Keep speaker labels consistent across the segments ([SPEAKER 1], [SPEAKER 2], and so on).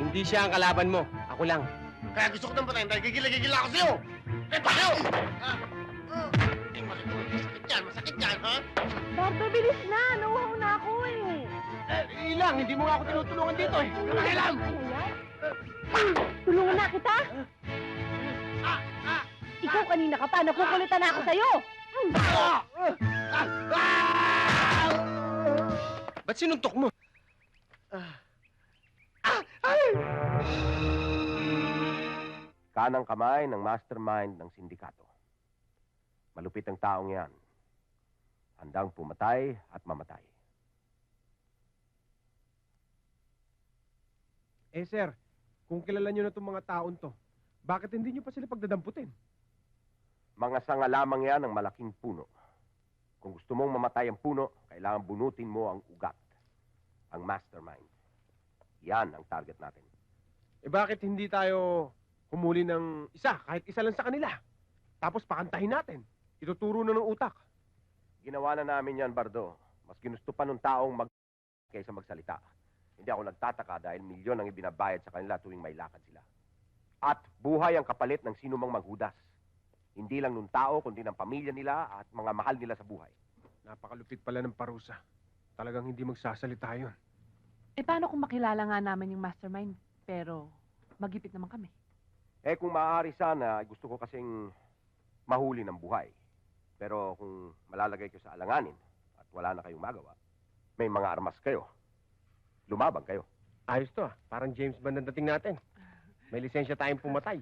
[SPEAKER 1] Hindi siya ang kalaban mo. Ako lang.
[SPEAKER 2] Kaya gusto ko nang patayin dahil gigila ako sa'yo! Eh, bakit? Eh, masakit yan, ha?
[SPEAKER 3] Bardo, bilis na! Nauhaw na ako eh!
[SPEAKER 1] Ilang, hindi mo nga ako tinutulungan dito eh. Alam!
[SPEAKER 3] Tulungan na kita! Ikaw kanina ka pa, nakukulitan na ako sa'yo!
[SPEAKER 1] Ba't sinuntok mo?
[SPEAKER 4] Kanang kamay ng mastermind ng sindikato. Malupit ang taong yan. Handang pumatay at mamatay.
[SPEAKER 5] Eh sir, kung kilala nyo na itong mga taon to, bakit hindi nyo pa sila pagdadamputin?
[SPEAKER 4] Mga sanga lamang yan ng malaking puno. Kung gusto mong mamatay ang puno, kailangan bunutin mo ang ugat. Ang mastermind. Yan ang target natin.
[SPEAKER 5] Eh bakit hindi tayo humuli ng isa, kahit isa lang sa kanila? Tapos pakantahin natin. Ituturo na ng utak.
[SPEAKER 4] Ginawa na namin yan, Bardo. Mas ginusto pa nung taong kaysa magsalita. Hindi ako nagtataka dahil milyon ang ibinabayad sa kanila tuwing may lakad sila. At buhay ang kapalit ng sino mang maghudas. Hindi lang nung tao, kundi ng pamilya nila at mga mahal nila sa buhay.
[SPEAKER 5] Napakalupit pala ng parusa. Talagang hindi magsasalita yun.
[SPEAKER 3] Eh paano kung makilala nga namin yung mastermind, pero magipit naman kami?
[SPEAKER 4] Eh kung maaari sana, gusto ko kasing mahuli ng buhay. Pero kung malalagay ko sa alanganin at wala na kayong magawa, may mga armas kayo. Lumabang kayo.
[SPEAKER 5] Ayos to ah. Parang James Bond ang dating natin. May lisensya tayong pumatay.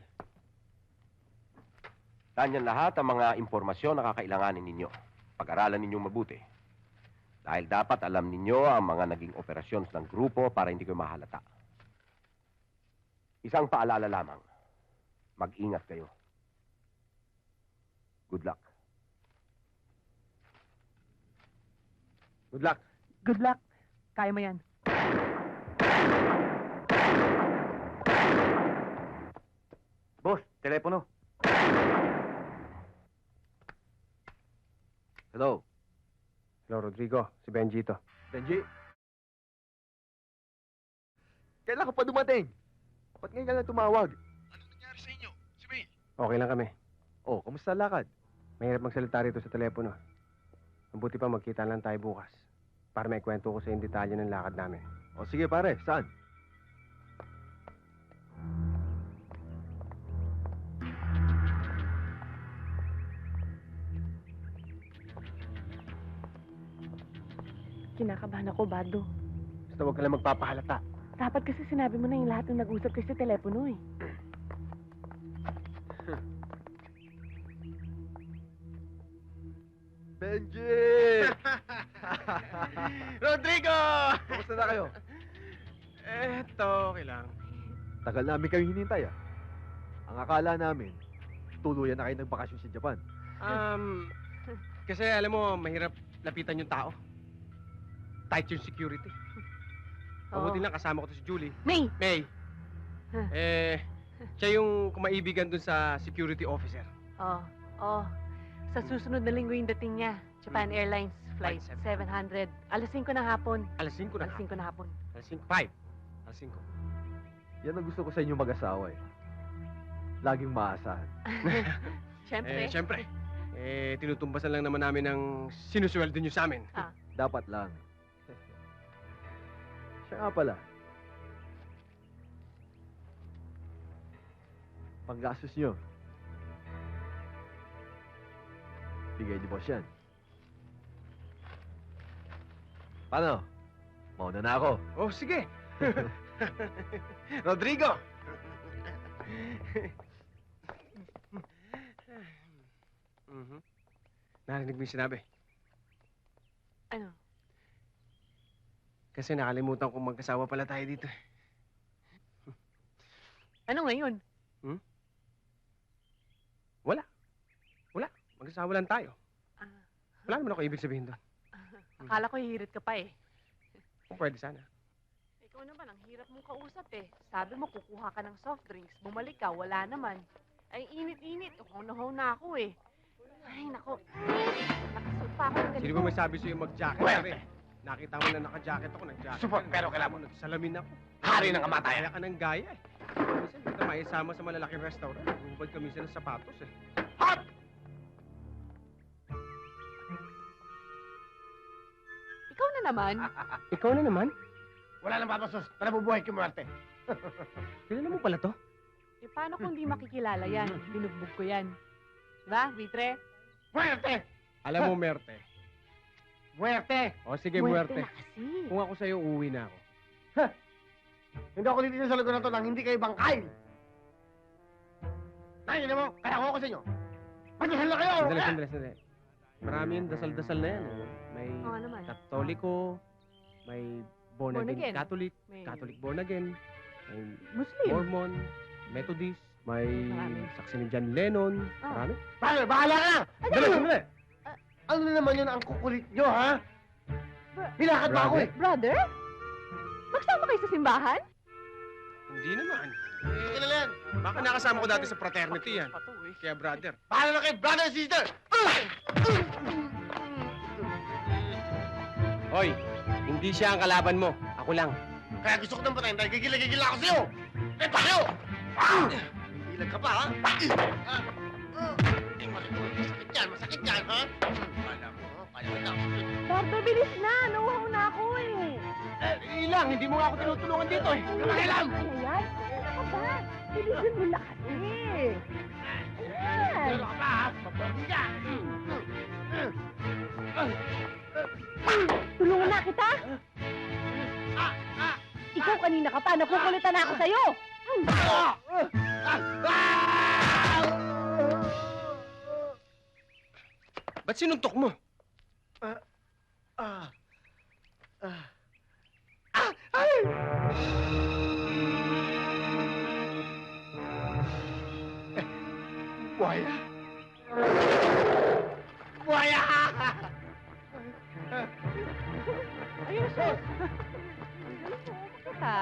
[SPEAKER 4] Tanyan lahat ang mga impormasyon na kakailanganin ninyo. Pag-aralan ninyong mabuti. Dahil dapat alam ninyo ang mga naging operasyons ng grupo para hindi kayo mahalata. Isang paalala lamang. Mag-ingat kayo. Good luck.
[SPEAKER 5] Good luck.
[SPEAKER 3] Good luck. Kaya mo yan.
[SPEAKER 4] Boss, telepono. Hello.
[SPEAKER 5] Hello, Rodrigo. Si Benji to.
[SPEAKER 6] Benji? Kailan ka pa dumating? Ba't ngayon ka lang tumawag?
[SPEAKER 2] Anong nangyari sa inyo? Si May?
[SPEAKER 5] Okay lang kami.
[SPEAKER 6] Oh, kamusta ang lakad?
[SPEAKER 5] Mahirap magsalita rito sa telepono. Mabuti pa magkita lang tayo bukas. Para may kwento ko sa yung detalye ng lakad namin.
[SPEAKER 6] O sige pare, saan?
[SPEAKER 3] Kinakabahan ako, Bardo.
[SPEAKER 5] Basta huwag ka lang magpapahalata.
[SPEAKER 3] Dapat kasi sinabi mo na yung lahat ng nag-usap kasi sa telepono eh.
[SPEAKER 6] Benji!
[SPEAKER 1] Rodrigo!
[SPEAKER 6] Kamusta na kayo?
[SPEAKER 5] Eto, okay lang.
[SPEAKER 6] Tagal namin kayo hinintay ah. Ang akala namin, tuluyan na kayo nagbakasyon sa Japan.
[SPEAKER 5] Kasi alam mo, mahirap lapitan yung tao. Tight yung security. Mabuti lang kasama ko to si Julie.
[SPEAKER 3] May!
[SPEAKER 5] May,
[SPEAKER 3] Huh.
[SPEAKER 5] siya yung kumaibigan dun sa security officer.
[SPEAKER 3] Oh. Sa susunod na linggo yung dating niya. Japan Airlines Flight
[SPEAKER 5] Flight
[SPEAKER 3] 700. Alas 5 ng hapon.
[SPEAKER 5] Alas 5 na.
[SPEAKER 3] Alas 5 na hapon.
[SPEAKER 5] Alas 5. 5. Alas 5.
[SPEAKER 6] Yan ang gusto ko sa inyo mag-asawa eh. Laging maasahan.
[SPEAKER 3] Siyempre.
[SPEAKER 5] Siyempre. Tinutumbasan lang naman namin ang sinusweldo nyo sa amin.
[SPEAKER 6] Dapat lang. Siya nga pala. Panggastos nyo. Bigay ni boss yan. Paano? Mauna na ako.
[SPEAKER 5] Oh, sige. Rodrigo! Narinig mo yung sinabi.
[SPEAKER 3] Ano?
[SPEAKER 5] Kasi nakalimutan kong magkasawa pala tayo dito.
[SPEAKER 3] Ano ngayon?
[SPEAKER 5] Magkasawa lang tayo.
[SPEAKER 3] Ah,
[SPEAKER 5] Wala naman ako ibig sabihin doon.
[SPEAKER 3] akala ko hihirit ka pa eh.
[SPEAKER 5] Kung pwede sana.
[SPEAKER 3] Ikaw naman, ang hirap mong kausap eh. Sabi mo, kukuha ka ng soft drinks. Bumalik ka, wala naman. Ay, init-init. Uhaw na ako eh. Ay, nako. Nakasuot pa ako ng ganito.
[SPEAKER 5] Sino ba may sabi sa'yo mag-jacket?
[SPEAKER 1] Pwede.
[SPEAKER 5] Nakita mo na naka-jacket ako, nag-jacket.
[SPEAKER 1] Support,
[SPEAKER 5] ka.
[SPEAKER 1] pero kailangan
[SPEAKER 5] Nagsalamin ako.
[SPEAKER 2] Hari ng kamatayan.
[SPEAKER 5] Kaya ka ng gaya eh. Minsan, hindi ka maisama sa malalaking restaurant. Hubad kami sa sapatos eh.
[SPEAKER 2] Hot!
[SPEAKER 3] Ikaw na naman.
[SPEAKER 5] Ikaw na naman?
[SPEAKER 2] Wala nang papasos. Tara, bubuhay kumuwerte.
[SPEAKER 5] Kilala mo pala to?
[SPEAKER 3] Eh, paano kung di makikilala yan? Binugbog ko yan. Diba, Vitre?
[SPEAKER 2] Muerte!
[SPEAKER 5] Alam mo, Merte.
[SPEAKER 2] Muerte!
[SPEAKER 5] O sige, Muerte.
[SPEAKER 3] na kasi.
[SPEAKER 5] Kung ako sa'yo, uuwi na ako.
[SPEAKER 2] Hindi ako dito sa lugar na to nang hindi kayo bangkay. Nakikita mo, kaya ako sa inyo. Pagdasal na kayo!
[SPEAKER 5] Sandali. Marami yung dasal-dasal na yan. May
[SPEAKER 3] Oo naman.
[SPEAKER 5] Katoliko, may born
[SPEAKER 3] Born
[SPEAKER 5] again
[SPEAKER 3] again.
[SPEAKER 5] Catholic,
[SPEAKER 3] May
[SPEAKER 5] Catholic born again, may
[SPEAKER 3] Muslim.
[SPEAKER 5] Mormon, Methodist, may
[SPEAKER 3] Marami.
[SPEAKER 5] saksi ni John Lennon,
[SPEAKER 3] Ah.
[SPEAKER 5] marami.
[SPEAKER 2] Paano, bahala ka na!
[SPEAKER 5] Sandali.
[SPEAKER 2] Ano na naman yun ang kukulit nyo, ha?
[SPEAKER 3] Bra-
[SPEAKER 2] Binakad ba ako eh?
[SPEAKER 3] Brother? Magsama kayo sa simbahan?
[SPEAKER 5] Hindi naman.
[SPEAKER 2] Sige na yan.
[SPEAKER 5] Baka nakasama ko dati sa fraternity yan.
[SPEAKER 3] Pato eh.
[SPEAKER 5] Kaya brother.
[SPEAKER 2] Bahala na kayo, brother and sister!
[SPEAKER 5] Hoy, hindi siya ang kalaban mo. Ako lang.
[SPEAKER 2] Kaya gusto ko nang patayin dahil gigila ako sa'yo! Eh, pa kayo! Ilag ka pa, ha? Masakit yan, ha? Kala mo, kaya mo lang.
[SPEAKER 3] Brother, bilis na. Nauhaw na ako eh.
[SPEAKER 1] Ilang, hindi mo nga ako tinutulungan dito eh.
[SPEAKER 2] Pakialam!
[SPEAKER 3] Ano yan? Ano ka ba? Bilisan mo na kasi. Ayan.
[SPEAKER 2] Ano ka pa, ha? Papabi ka!
[SPEAKER 3] Tulungan na kita. Ikaw kanina ka pa. Nakukulitan na ako sa'yo.
[SPEAKER 5] Ba't sinuntok mo?
[SPEAKER 2] Buhaya! Buhaya!
[SPEAKER 3] Ayun siya. Kita.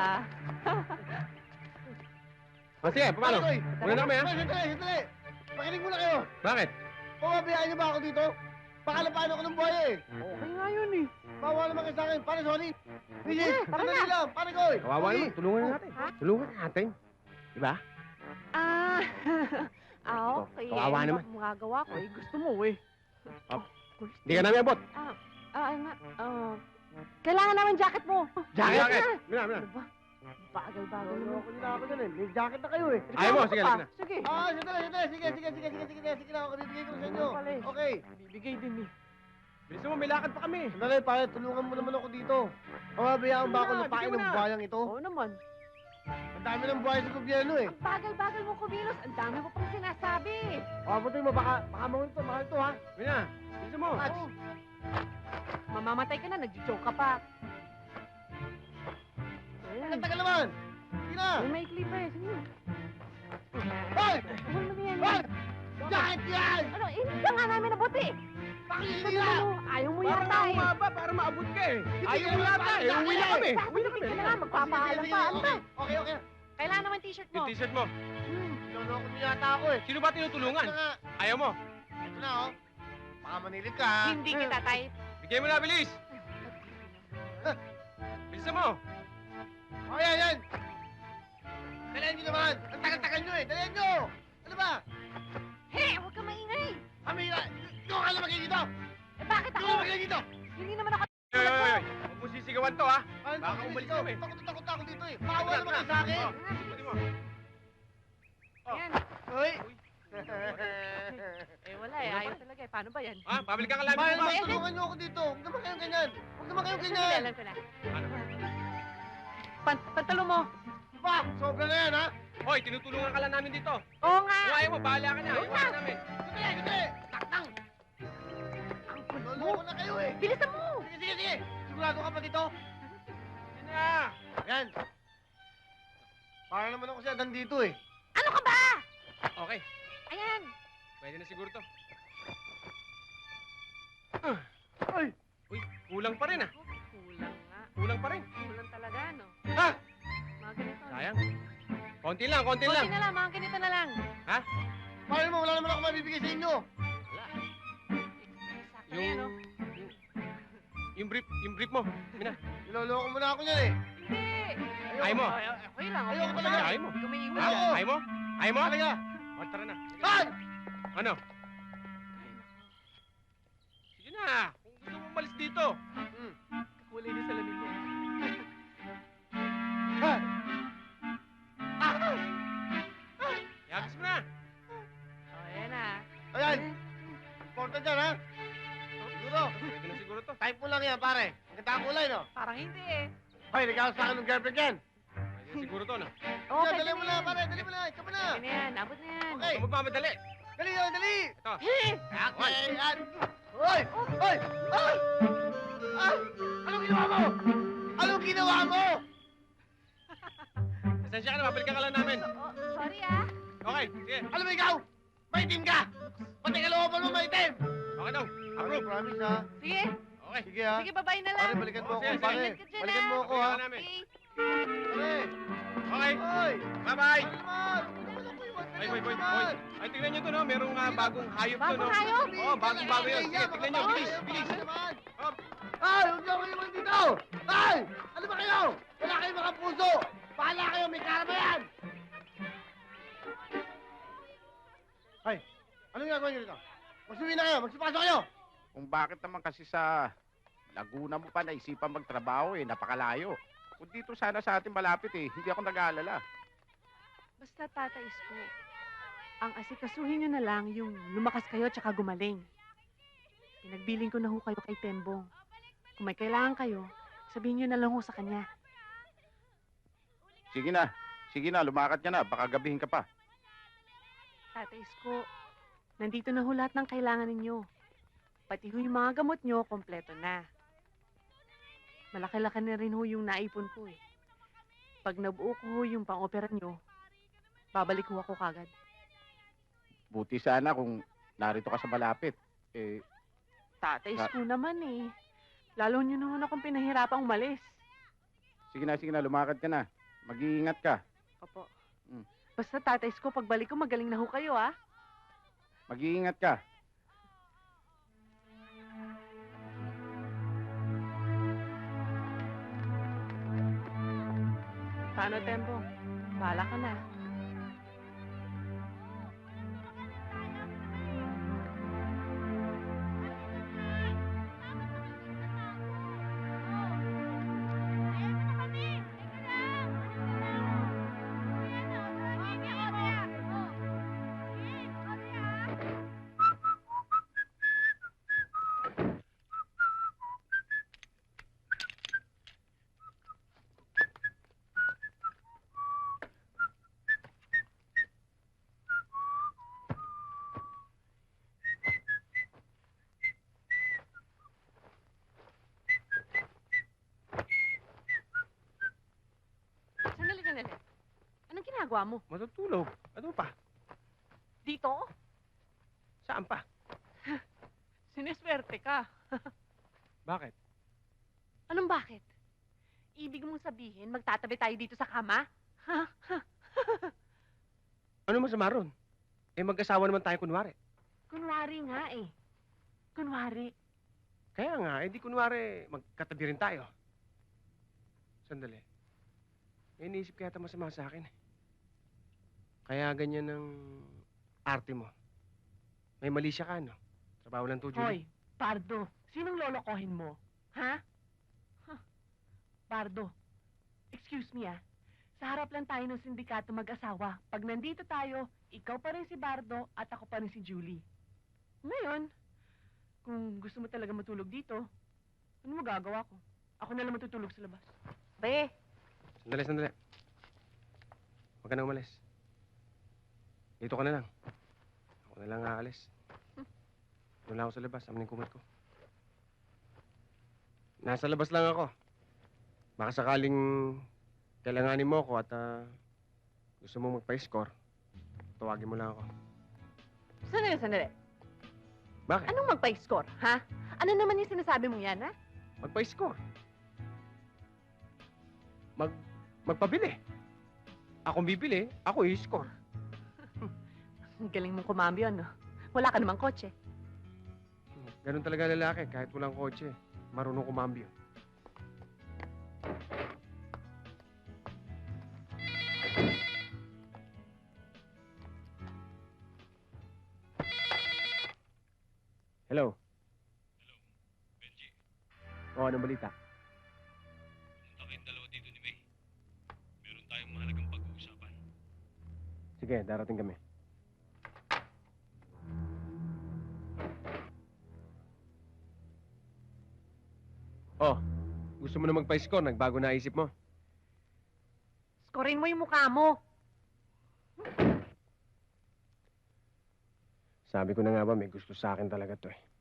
[SPEAKER 5] O sige, paano?
[SPEAKER 2] Panoy!
[SPEAKER 5] Una na kami, ha?
[SPEAKER 2] Sandali! Makinig muna kayo!
[SPEAKER 5] Bakit?
[SPEAKER 2] Pababayaan niyo ba ako dito? Pakalapaan ako ng buhaya eh!
[SPEAKER 3] Okay nga yun eh.
[SPEAKER 2] Bawa naman kayo sa akin! Pare, sorry! Bridget!
[SPEAKER 3] tara
[SPEAKER 2] Sandali
[SPEAKER 3] na.
[SPEAKER 2] lang! Pare Koy!
[SPEAKER 5] Kawawa
[SPEAKER 2] Sorry.
[SPEAKER 5] naman. Tulungan na natin.
[SPEAKER 3] Ha?
[SPEAKER 5] Tulungan na natin. Diba?
[SPEAKER 3] Ah, okay.
[SPEAKER 5] Kawawa
[SPEAKER 3] Ano
[SPEAKER 5] naman.
[SPEAKER 3] ba magagawa ko eh? Gusto mo eh.
[SPEAKER 5] Oh.
[SPEAKER 3] Gusto.
[SPEAKER 5] Hindi ka namin abot.
[SPEAKER 3] Ay nga. Kailangan naman jacket mo.
[SPEAKER 5] Jacket!
[SPEAKER 3] na.
[SPEAKER 5] Mina.
[SPEAKER 3] Ano ba? Bagal-bagal mo.
[SPEAKER 2] Ako nila ako dyan eh. May jacket na kayo eh.
[SPEAKER 5] Ayaw mo, sige,
[SPEAKER 3] Ano ka
[SPEAKER 5] sige na.
[SPEAKER 3] pa? Sige.
[SPEAKER 2] Sandali! Sige na ako. Bibigay ko na sa inyo.
[SPEAKER 3] Pala eh.
[SPEAKER 2] Okay.
[SPEAKER 3] Bibigay din eh.
[SPEAKER 5] Bilisan mo, may lakad pa kami.
[SPEAKER 2] Sandali, pare. Tulungan mo naman ako dito. Pababayaan ba ako
[SPEAKER 5] Sige na,
[SPEAKER 2] lupain
[SPEAKER 5] bigyan mo
[SPEAKER 2] ng
[SPEAKER 5] na.
[SPEAKER 2] bayang ito?
[SPEAKER 3] Oo naman.
[SPEAKER 2] Ang dami ng buhay sa gobyerno eh.
[SPEAKER 3] Ang bagal-bagal mo kumilos. Ang dami mo pang sinasabi.
[SPEAKER 2] Pabutin mo, baka mahal to ha.
[SPEAKER 5] Mina, bilisan mo.
[SPEAKER 3] Oo. Mamamatay ka na. Nag-joke ka pa.
[SPEAKER 2] Ang tagal naman. Sige na.
[SPEAKER 3] May maikli pa eh. Sige.
[SPEAKER 2] Hoy!
[SPEAKER 3] Ano na yan?
[SPEAKER 2] Hoy! Jacket yan!
[SPEAKER 3] Ano, hindi ka nga namin nabuti.
[SPEAKER 2] Pakinggan
[SPEAKER 3] Sabi
[SPEAKER 2] nila!
[SPEAKER 3] mo, ayaw mo
[SPEAKER 5] Para
[SPEAKER 3] yata
[SPEAKER 5] na
[SPEAKER 3] eh.
[SPEAKER 5] umaba, para maabot ka eh. Ayaw mo
[SPEAKER 2] Sige,
[SPEAKER 5] yata eh.
[SPEAKER 2] sige,
[SPEAKER 5] Uwi na
[SPEAKER 2] sige.
[SPEAKER 5] kami.
[SPEAKER 3] Sasabihin ka na nga, magpapaalam pa. Ano ba?
[SPEAKER 2] Okay.
[SPEAKER 3] Kailangan naman t-shirt mo.
[SPEAKER 5] Yung t-shirt mo.
[SPEAKER 2] Niloloko mo yata ako eh.
[SPEAKER 5] Sino ba tinutulungan?
[SPEAKER 2] Ito na nga.
[SPEAKER 5] Ayaw mo.
[SPEAKER 2] Ito na oh. Baka manilip ka ha.
[SPEAKER 3] Hindi kita type.
[SPEAKER 5] Bigay mo na, bilis. Bilisan mo.
[SPEAKER 2] O yan. Dalihan nyo naman. Ang tagal-tagal nyo eh. Dalihan nyo. Ano ba?
[SPEAKER 3] Hey, huwag ka maingay.
[SPEAKER 2] Kami, yung ka lang magiging dito.
[SPEAKER 3] Eh, bakit
[SPEAKER 2] Yung
[SPEAKER 3] ako?
[SPEAKER 2] ka magiging dito.
[SPEAKER 3] Hindi naman ako.
[SPEAKER 5] Hoy. Huwag mo sisigawan to, ha?
[SPEAKER 2] Ano
[SPEAKER 5] Baka umalis kami.
[SPEAKER 2] Takot ako dito eh. Maawa naman kayo sa akin.
[SPEAKER 5] Pwede mo.
[SPEAKER 3] Yan.
[SPEAKER 2] Hoy.
[SPEAKER 3] Eh, wala eh. Ayaw talaga eh. Paano ba yan?
[SPEAKER 5] Ha? Pabalik ka kalabi
[SPEAKER 2] Mahal
[SPEAKER 5] mo ba?
[SPEAKER 2] naman, tulungan nyo ako dito. Huwag naman kayong ganyan. Huwag naman kayong
[SPEAKER 3] Sandali,
[SPEAKER 2] ganyan.
[SPEAKER 3] alam ko na.
[SPEAKER 5] Ano?
[SPEAKER 3] Pantalo mo.
[SPEAKER 2] Pa, sobra na yan ha.
[SPEAKER 5] Hoy, tinutulungan ka lang namin dito.
[SPEAKER 3] Oo nga.
[SPEAKER 5] Kung ayaw mo, bahala ka na.
[SPEAKER 3] Oo
[SPEAKER 5] Ayaw
[SPEAKER 3] nga.
[SPEAKER 5] ka namin.
[SPEAKER 2] Hindi. Taknang.
[SPEAKER 3] Ang kulit mo.
[SPEAKER 2] Loloko na kayo eh.
[SPEAKER 3] Bilisan mo.
[SPEAKER 2] Sige. Sigurado ka pa dito?
[SPEAKER 5] Sige na.
[SPEAKER 2] Yan. Para naman ako siya dito eh.
[SPEAKER 3] Ano ka ba?
[SPEAKER 5] Okay.
[SPEAKER 3] Ayan.
[SPEAKER 5] Pwede na siguro to.
[SPEAKER 2] Ay!
[SPEAKER 5] Uy, kulang pa rin ah.
[SPEAKER 3] Kulang nga.
[SPEAKER 5] Kulang pa rin.
[SPEAKER 3] Kulang talaga, no?
[SPEAKER 5] Ha?
[SPEAKER 3] Mga ganito.
[SPEAKER 5] Sayang. Konti lang.
[SPEAKER 3] Konti na lang, mga ganito na lang.
[SPEAKER 2] Paano mo? Wala naman ako mabibigay sa inyo.
[SPEAKER 5] Wala.
[SPEAKER 3] Sakto yan, no?
[SPEAKER 5] Yung brief mo. Mina.
[SPEAKER 2] Niloloko mo na ako niyan eh.
[SPEAKER 3] Hindi.
[SPEAKER 5] Ayaw mo?
[SPEAKER 3] Okay lang.
[SPEAKER 2] Ayoko
[SPEAKER 3] Okay
[SPEAKER 2] talaga.
[SPEAKER 3] lang.
[SPEAKER 5] Ayaw mo?
[SPEAKER 3] Hindi ka may iwan
[SPEAKER 2] Ayaw.
[SPEAKER 3] dyan.
[SPEAKER 5] Ayaw mo? Ayaw mo?
[SPEAKER 2] Talaga.
[SPEAKER 5] O, tara na. Sige.
[SPEAKER 2] Ay!
[SPEAKER 5] Ano? Sige na. Kung gusto mo umalis dito.
[SPEAKER 3] Kulay na salamin mo.
[SPEAKER 2] Ah! Ah!
[SPEAKER 5] Yagis mo na.
[SPEAKER 3] Oh, ayan na.
[SPEAKER 2] Ayan! Important dyan, ha? Siguro.
[SPEAKER 5] Pwede na siguro to.
[SPEAKER 2] Type mo lang yan, pare. Ang ganda ang kulay, no?
[SPEAKER 3] Parang hindi eh.
[SPEAKER 2] Hoy, nagkakas sa akin ng girlfriend yan.
[SPEAKER 5] Pwede na siguro to, no?
[SPEAKER 3] Oo,
[SPEAKER 2] Yan,
[SPEAKER 3] pwede
[SPEAKER 2] dali mo
[SPEAKER 3] na
[SPEAKER 2] na,
[SPEAKER 3] yan.
[SPEAKER 2] pare. Dali mo na. Ikaw mo na.
[SPEAKER 3] Pwede na yan. Abot na yan.
[SPEAKER 2] Okay.
[SPEAKER 5] Huwag ka magmamadali.
[SPEAKER 2] Dali yun, dali.
[SPEAKER 5] Ito.
[SPEAKER 2] Okay, yan. Hoy! Hoy! Ay! Ay! Anong ginawa mo? Anong ginawa mo?
[SPEAKER 5] Pasensya ka na, mabalikan ka lang namin.
[SPEAKER 3] Oh, sorry ah.
[SPEAKER 5] Okay, sige.
[SPEAKER 2] Alam mo ikaw? Maitim ka! Pati kalooban mo maitim!
[SPEAKER 5] Okay daw.
[SPEAKER 2] Approve. Promise, ha?
[SPEAKER 3] Sige.
[SPEAKER 5] Okay.
[SPEAKER 2] Sige, ha?
[SPEAKER 3] Sige, babay na lang.
[SPEAKER 2] Pare, balikan mo
[SPEAKER 5] Oh,
[SPEAKER 2] ako,
[SPEAKER 5] sige,
[SPEAKER 2] pare.
[SPEAKER 3] sige. Ingat ka dyan,
[SPEAKER 2] Balikan mo
[SPEAKER 3] ha?
[SPEAKER 2] ako, ha?
[SPEAKER 5] Balikan namin.
[SPEAKER 3] Okay.
[SPEAKER 2] Pare!
[SPEAKER 5] Okay.
[SPEAKER 2] Hoy!
[SPEAKER 5] Bye-bye.
[SPEAKER 2] Ano naman? Ano naman ako iwan?
[SPEAKER 5] Boy, boy, boy, boy.
[SPEAKER 2] naman?
[SPEAKER 5] Ay, tignan nyo to, no? Merong bagong hayop to, no?
[SPEAKER 3] Bagong hayop?
[SPEAKER 5] Oo, bagong-bago yun. Sige, tignan nyo. Bilis, bilis. Oh.
[SPEAKER 2] Ay, huwag niyo ako iwan dito! Ay! Ano ba kayo? Wala kayong mga puso! Bahala kayo, may karama yan! Ay, anong ginagawa niyo dito? Magsuwi na kayo, magsipasok kayo!
[SPEAKER 7] Kung bakit naman kasi sa Laguna mo pa naisipan magtrabaho napakalayo. Kung dito sana sa atin malapit hindi ako nag-aalala.
[SPEAKER 3] Basta Tata Isko, ang asikasuhin nyo na lang yung lumakas kayo tsaka gumaling. Pinagbiling ko na ho kayo kay Tembong. Kung may kailangan kayo, sabihin nyo na lang ho sa kanya.
[SPEAKER 7] Sige na, lumakad ka na, baka gabihin ka pa.
[SPEAKER 3] Tata Isko, nandito na ho lahat ng kailangan ninyo. Pati ho yung mga gamot nyo, kompleto na. Malaki-laki na rin ho yung naipon ko eh. Pag nabuo ko ho yung pang-opera nyo, babalik ho ako kagad.
[SPEAKER 7] Buti sana kung narito ka sa malapit.
[SPEAKER 3] Tata Isko naman eh. Lalo nyo na ho na akong pinahirapang umalis.
[SPEAKER 7] Sige na, lumakad ka na. Mag-iingat ka.
[SPEAKER 3] Opo.
[SPEAKER 7] Mm.
[SPEAKER 3] Basta Tata Isko, pagbalik ko magaling na ho kayo ah.
[SPEAKER 7] Mag-iingat ka.
[SPEAKER 3] Paano, Tempo? Bahala ka na. Sandali. Anong ginagawa mo?
[SPEAKER 5] Matutulog. Ano pa?
[SPEAKER 3] Dito?
[SPEAKER 5] Saan pa?
[SPEAKER 3] Siniswerte ka.
[SPEAKER 5] Bakit?
[SPEAKER 3] Anong bakit? Ibig mong sabihin, magtatabi tayo dito sa kama?
[SPEAKER 5] Ano masama ron? Mag-asawa naman tayo kunwari.
[SPEAKER 3] Kunwari nga eh. Kunwari.
[SPEAKER 5] Kaya nga, di kunwari magkatabi rin tayo. Sandali. May iniisip kaya masama sa akin. Kaya ganyan ang arte mo. May mali siya ka, no? Trabaho lang to, Julie.
[SPEAKER 8] Hoy, Pardo, sinong lolokohin mo? Ha? Pardo, excuse me ah. Sa harap lang tayo ng sindikato mag-asawa. Pag nandito tayo, ikaw pa rin si Bardo at ako pa rin si Julie. Ngayon, kung gusto mo talaga matulog dito, ano magagawa ko? Ako na lang matutulog sa labas.
[SPEAKER 3] Be,
[SPEAKER 5] Sandali. Huwag ka na umalis. Dito ka na lang. Ako na lang aalis. Doon lang ako sa labas. Amin yung kumot ko. Nasa labas lang ako. Baka sakaling kailanganin mo ako at gusto mo magpa-score, tawagin mo lang ako.
[SPEAKER 3] sandali.
[SPEAKER 5] Bakit?
[SPEAKER 3] Anong magpa-score, ha? Ano naman yung sinasabi mo yan, ha?
[SPEAKER 5] Magpa-score. Magpabili. Akong bibili, ako i-score.
[SPEAKER 3] Ang galing mong kumambyo, no? Wala ka namang kotse.
[SPEAKER 5] Ganun talaga lalaki, kahit walang kotse. Marunong kumambyo. Hello? Oo, anong balita? Sige, darating kami. Oh, gusto mo na magpa-score? Nagbago na isip mo?
[SPEAKER 3] Skorin mo yung mukha mo.
[SPEAKER 5] Sabi ko na nga ba, may gusto sa akin talaga to eh.